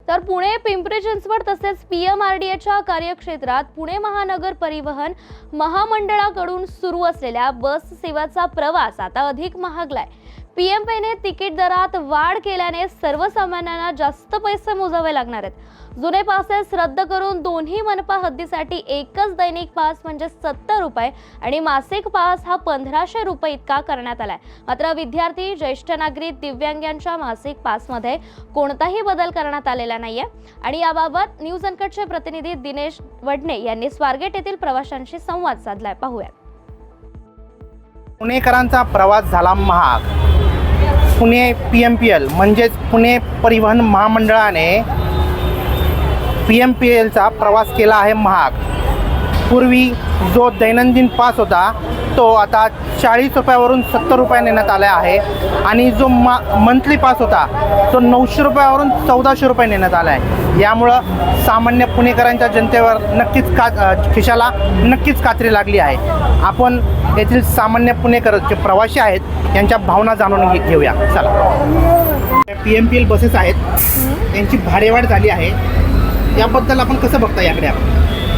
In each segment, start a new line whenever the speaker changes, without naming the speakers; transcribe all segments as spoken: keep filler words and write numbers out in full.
तर पुणे पिंपरी चिंचवड तसेच पीएमआरडीएच्या कार्यक्षेत्रात पुणे महानगर परिवहन महामंडळाकडून सुरू असलेल्या बस सेवाचा प्रवास आता अधिक महागलाय। पीएमपीने तिकीट दरात वाढ केल्याने सर्वसामान्यांना जास्त पैसे मोजावे लागणार आहेत। जुने पासेस रद्द करून दोन्ही मनपा हद्दीसाठी एकच दैनिक पास म्हणजे सत्तर रुपये आणि मासिक पास हा पंधराशे रुपये इतका करण्यात आलाय। मात्र विद्यार्थी, ज्येष्ठ नागरिक, दिव्यांगांच्या मासिक पासमध्ये कोणताही बदल करण्यात आलेला नाहीये आणि याबाबत न्यूज अनकटचे प्रतिनिधी दिनेश वडणे यांनी स्वारगेट येथील प्रवाशांशी संवाद साधलाय। पाहूया।
पुणेकरांचा प्रवास झाला महाग। Pune P M P L म्हणजेच पुणे परिवहन महामंडळाने पी एम पी एलचा प्रवास केला आहे महाग। पूर्वी जो दैनंदिन पास होता तो आता चाळीस रुपयावरून सत्तर रुपये नेण्यात आला आहे आणि जो मा मंथली पास होता तो नऊशे रुपयावरून चौदाशे रुपये नेण्यात आला आहे। यामुळं सामान्य पुणेकरांच्या जनतेवर नक्कीच का खिशाला नक्कीच कात्री लागली आहे। आपण येथील सामान्य पुणेकर जे प्रवासी आहेत यांच्या भावना जाणून घे घेऊया चला। P M P L buses आहेत, यांची भाडेवाढ झाली आहे, याबद्दल आपण कसं बघता? याकडे आपण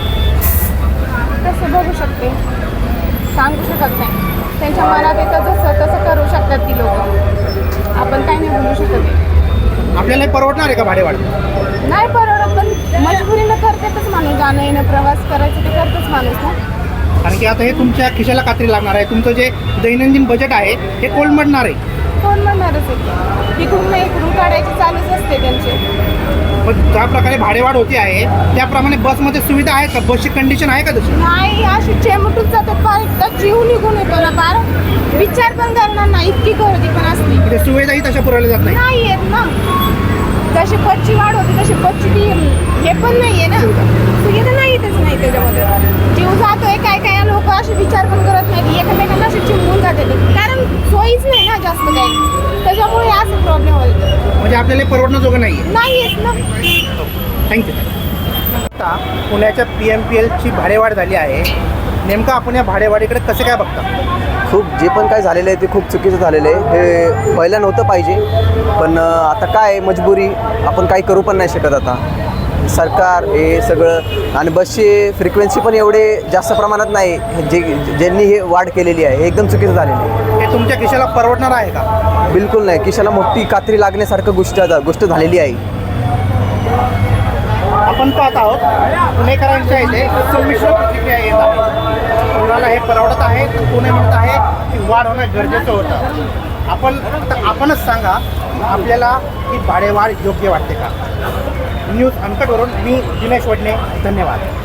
कसं बघू शकते सांगू शकत नाही। त्यांच्या मनात येतं जसं तसं करू शकतात ती लोक, आपण काही नाही बोलू शकत आहे।
आपल्याला परवडणार आहे का भाडेवाढ?
नाही परवडत, पण मजबुरीनं करतातच माणूस, जाणं येणं प्रवास करायचं ते करतच माणूस ना।
कारण की आता हे तुमच्या खिशाला कात्री लागणार आहे। तुमचं जे दैनंदिन बजेट आहे हे कोलमडणार आहे।
कोण म्हणणारच आहे, इकडून नाही इकडून काढायची चालूच असते त्यांचे।
पण ज्या प्रकारे भाडेवाढ होती आहे त्याप्रमाणे बसमध्ये सुविधा आहे का? बसची कंडिशन आहे का तशी?
नाही, अशी चेमटून जातात, फार एकदा जीव निघून येतो ना, फार विचार पण करणार नाही, इतकी गर्दी पण असते।
म्हणजे सुविधाही तशा पुरवल्या जात नाही
नाही येत ना, जशी बसची वाढ होती तशी बसची ती हे पण नाही आहे ना, सुविधा नाही येतच नाही त्याच्यामध्ये। जीव जातोय, काय काय लोक असे विचार पण करत नाही, एकमेकांना असे चिमून जाते कारण सोयीच नाही ना जास्त काही, त्याच्यामुळे असं प्रॉब्लेम होतो।
म्हणजे आपल्याला परवडणं नाही आहे
नाही येत ना।
थँक्यू। आता पुण्याच्या पी एम पी एलची भाडेवाढ झाली आहे, नेमकं आपण या भाडेवाढीकडे कसे काय बघता?
खूप जे पण काय झालेलं आहे ते खूप चुकीचं झालेलं आहे। हे पहिलं नव्हतं पाहिजे, पण आता काय मजबुरी, आपण काही करू पण नाही शकत आता। सरकार हे सगळं आणि बसची फ्रिक्वेन्सी पण एवढे जास्त प्रमाणात नाही, जे ज्यांनी हे वाढ केलेली आहे हे एकदम चुकीचं झालेलं आहे।
हे तुमच्या खिशाला परवडणार आहे का?
बिलकुल नाही, खिशाला मोठी कात्री लागण्यासारखं गोष्ट गोष्ट झालेली आहे।
आपण पाहत आहोत पुणेकरांच्या इथे संमिश्र प्रतिक्रिया येत आहे। कोणाला हे परवडत आहे, कोणी म्हणत आहे की वाढ होणं गरजेचं होतं। आपण आपणच सांगा, आपल्याला ही भाडेवाढ योग्य वाटते का? न्यूज अनकटवरून मी दिनेश वडणे, धन्यवाद।